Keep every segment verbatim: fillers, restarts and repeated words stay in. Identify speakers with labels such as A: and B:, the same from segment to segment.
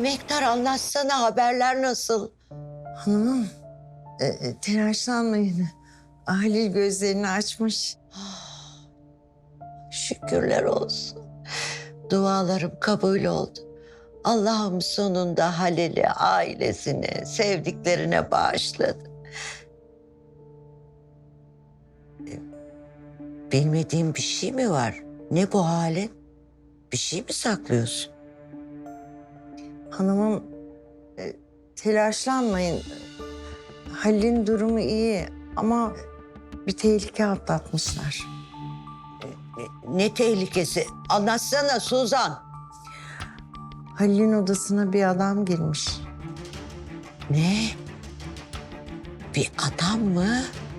A: Emektar, anlatsana, haberler nasıl?
B: Hanımım, e, e, telaşlanmayın. Halil gözlerini açmış.
A: Şükürler olsun. Dualarım kabul oldu. Allah'ım sonunda Halil'i ailesine, sevdiklerine bağışladı. E, Bilmediğim bir şey mi var? Ne bu halin? Bir şey mi saklıyorsun?
B: Hanımım, e, telaşlanmayın. Halil'in durumu iyi ama bir tehlike atlatmışlar.
A: Ne, ne tehlikesi? Anlatsana Suzan.
B: Halil'in odasına bir adam girmiş.
A: Ne? Bir adam mı?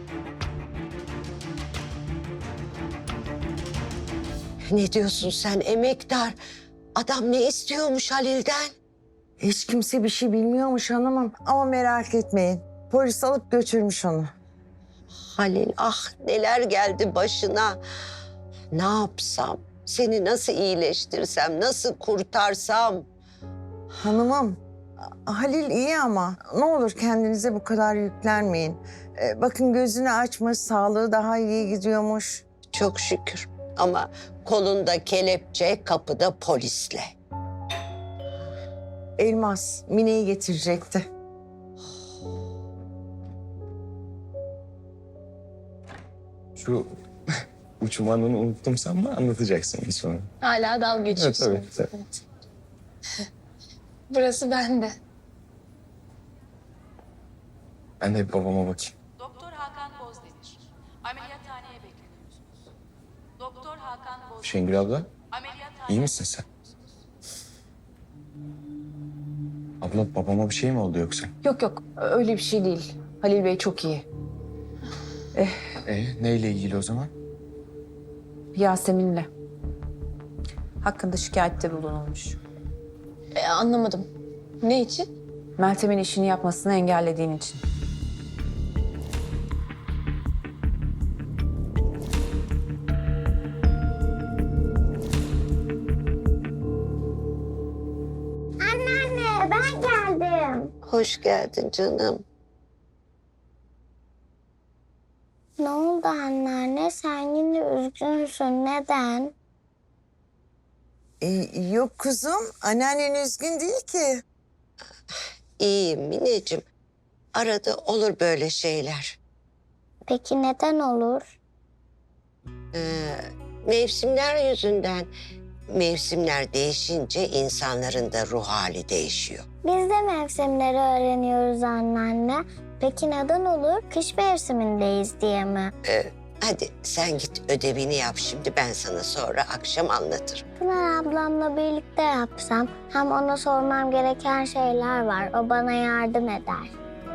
A: Ne diyorsun sen Emektar? Adam ne istiyormuş Halil'den?
B: Hiç kimse bir şey bilmiyormuş hanımım ama merak etmeyin. Polis alıp götürmüş onu.
A: Halil, ah neler geldi başına. Ne yapsam? Seni nasıl iyileştirsem, nasıl kurtarsam?
B: Hanımım, Halil iyi ama ne olur kendinize bu kadar yüklenmeyin. Ee, bakın gözünü açmış, sağlığı daha iyi gidiyormuş.
A: Çok şükür. Ama kolunda kelepçe, kapıda polisle.
B: Elmas, Mine'yi getirecekti.
C: Şu uçum anını unuttum sanma, anlatacaksın bir sonra.
D: Hala dalga
C: Evet,
D: geçiyorsun.
C: tabii, tabii.
D: Evet. Burası bende.
C: Ben de bir babama bakayım.
E: Doktor Hakan Bozdemir. Ameliyathaneye bekleniyorsunuz. Doktor Hakan Bozdemir.
C: Şengül abla,
E: Ameliyathaneye...
C: iyi misin sen? Abla, babama bir şey mi oldu yoksa?
F: Yok yok öyle bir şey değil. Halil Bey çok iyi.
C: E, neyle ilgili o zaman?
F: Yasemin'le. Hakkında şikayette bulunulmuş.
D: E, anlamadım. Ne için?
F: Meltem'in işini yapmasını engellediğin için.
G: Anneanne ben geldim.
A: Hoş geldin canım.
G: Ne oldu anneanne? Sen yine üzgünsün. Neden?
B: Ee, yok kuzum, anneannen üzgün değil ki.
A: İyiyim Mineciğim. Arada olur böyle şeyler.
G: Peki neden olur?
A: Ee, mevsimler yüzünden. Mevsimler değişince insanların da ruh hali değişiyor.
G: Biz de mevsimleri öğreniyoruz anneanne. Peki neden olur? Kış mevsimindeyiz diye mi?
A: Ee, hadi sen git ödevini yap şimdi, ben sana sonra akşam anlatırım.
G: Pınar ablamla birlikte yapsam hem ona sormam gereken şeyler var. O bana yardım eder.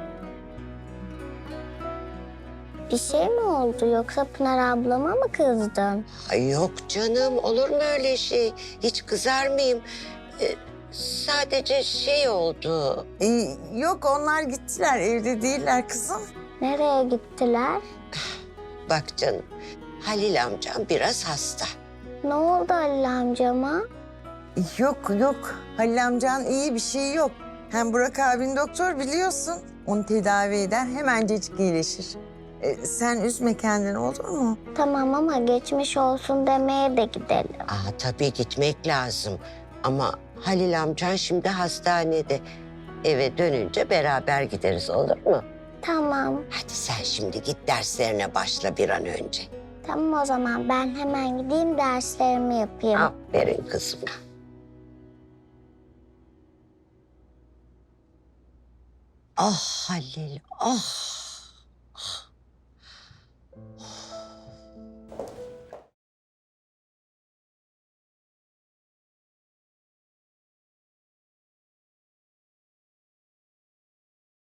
G: Bir şey mi oldu yoksa Pınar ablama mı kızdın?
A: Ay yok canım, olur mu öyle şey? Hiç kızar mıyım? Ee, sadece şey oldu.
B: Ee, yok onlar gittiler, evde değiller kızım.
G: Nereye gittiler?
A: Bak canım, Halil amcam biraz hasta.
G: Ne oldu Halil amcama?
B: Yok yok, Halil amcan iyi, bir şey yok. Hem Burak abin doktor biliyorsun. Onu tedavi eder, hemencecik iyileşir. Ee, sen üzme kendini, olur mu?
G: Tamam ama geçmiş olsun demeye de gidelim.
A: Aa, tabii gitmek lazım. Ama Halil amcan şimdi hastanede. Eve dönünce beraber gideriz, olur mu?
G: Tamam.
A: Hadi sen şimdi git derslerine başla bir an önce.
G: Tamam o zaman ben hemen gideyim derslerimi yapayım.
A: Aferin kızım. Ah Halil, ah.